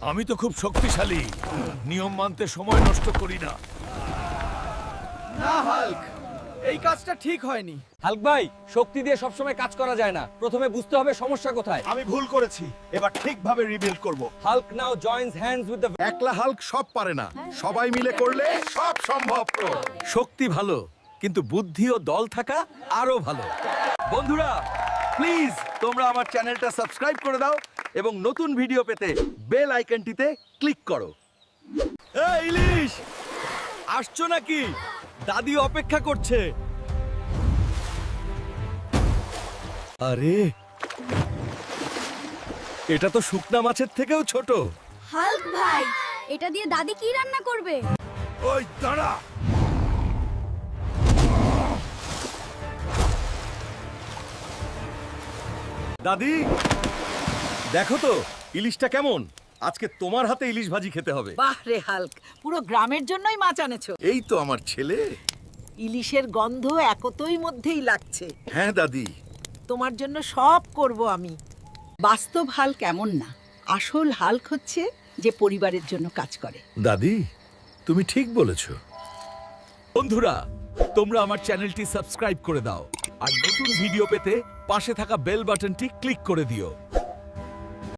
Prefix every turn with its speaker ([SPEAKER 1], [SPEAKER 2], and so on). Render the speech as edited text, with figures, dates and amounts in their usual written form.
[SPEAKER 1] আমি তো খুব শক্তিশালী, নিয়ম মানতে সময় নষ্ট করি না।
[SPEAKER 2] না হাল্ক, এই কাজটা ঠিক হয়নি।
[SPEAKER 3] হাল্ক ভাই, শক্তি দিয়ে সবসময় কাজ করা যায় না। প্রথমে বুঝতে হবে সমস্যা কোথায়।
[SPEAKER 4] আমি ভুল করেছি, এবার ঠিকভাবে রিবিল্ড করব।
[SPEAKER 3] Hulk now joins hands with the
[SPEAKER 4] একলা হাল্ক সব পারে না, সবাই মিলে করলে সব সম্ভব।
[SPEAKER 1] শক্তি ভালো, কিন্তু বুদ্ধি ও দল থাকা আরো ভালো। বন্ধুরা, প্লিজ তোমরা আমার চ্যানেলটা সাবস্ক্রাইব করে দাও এবং নতুন ভিডিও পেতে বেল আইকনটিতে ক্লিক করো। এই ইলিশ, আসছো নাকি? দাদি অপেক্ষা করছে। আরে, এটা তো শুকনা মাছের থেকেও ছোট।
[SPEAKER 5] হাল্ক ভাই, এটা দিয়ে দাদি কি রান্না করবে?
[SPEAKER 1] ওই দাঁড়া। দাদি, দেখো তো ইলিশটা কেমন। আজকে তোমার হাতে ইলিশ ভাজি খেতে হবে।
[SPEAKER 6] বাহ রে হাল্ক, পুরো গ্রামের জন্যই মাছ আনেছো।
[SPEAKER 1] এই তো আমার ছেলে।
[SPEAKER 6] ইলিশের গন্ধ একতই মধ্যেই লাগছে।
[SPEAKER 1] হ্যাঁ দাদি।
[SPEAKER 6] তোমার জন্য সব করব আমি। বাস্তব হাল্ক এমন না, আসল হাল্ক হচ্ছে যে পরিবারের জন্য কাজ করে।
[SPEAKER 1] দাদি, তুমি ঠিক বলেছ। বন্ধুরা, তোমরা আমার চ্যানেলটি সাবস্ক্রাইব করে দাও আর নতুন ভিডিও পেতে পাশে থাকা বেল বাটনটি ক্লিক করে দিও।